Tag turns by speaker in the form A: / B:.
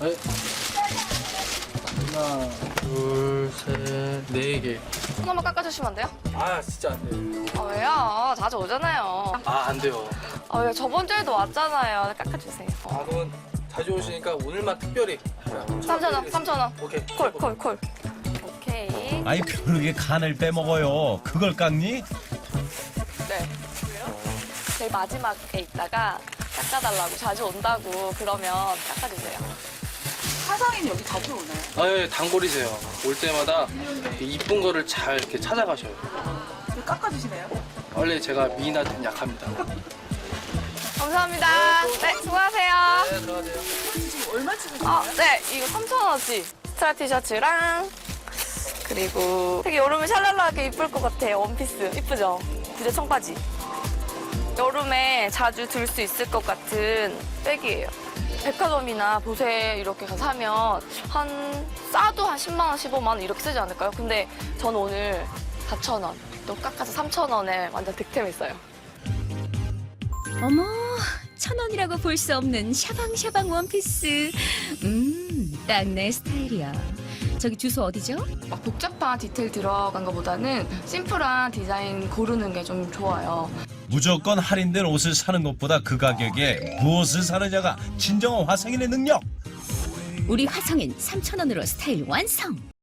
A: 네. 하나, 둘, 셋, 네 개.
B: 하나만 깎아주시면 안 돼요?
A: 아, 진짜 안 돼요.
B: 아, 왜요? 자주 오잖아요.
A: 아, 안 돼요.
B: 아, 왜 저번 주에도 왔잖아요. 깎아주세요.
A: 아, 그러면 자주 오시니까 오늘만 특별히.
B: 3,000원, 3,000원.
A: 오케이.
B: 콜. 오케이.
C: 아이 벼룩의 간을 빼먹어요. 그걸 깎니?
B: 네. 제일 마지막에 있다가 깎아달라고 자주 온다고 그러면 깎아주세요.
D: 사장님 여기 자주 오나요?
A: 아, 예, 단골이세요. 올 때마다 이쁜 거를 잘 이렇게 찾아가셔요.
D: 왜 깎아주시나요?
A: 원래 제가 미인한테는 약합니다.
B: 감사합니다. 네, 수고하세요.
A: 네, 들어가세요.
D: 지금 얼마 치고
B: 아, 네, 이거 3,000원어치. 스트라 티셔츠랑 그리고 되게 여름에 샬랄라하게 이쁠 것 같아요. 원피스. 이쁘죠? 부재 청바지. 여름에 자주 들 수 있을 것 같은 백이에요. 백화점이나 보세 이렇게 가서 사면 싸도 한 10만 원, 15만 원 이렇게 쓰지 않을까요? 근데 저는 오늘 4,000원, 또 깎아서 3,000원에 완전 득템했어요.
E: 어머, 1,000원이라고 볼 수 없는 샤방샤방 원피스. 딱 내 스타일이야. 저기 주소 어디죠?
B: 막 복잡한 디테일 들어간 것보다는 심플한 디자인 고르는 게 좀 좋아요.
C: 무조건 할인된 옷을 사는 것보다 그 가격에 무엇을 사느냐가 진정한 화성인의 능력.
E: 우리 화성인 3,000원으로 스타일 완성.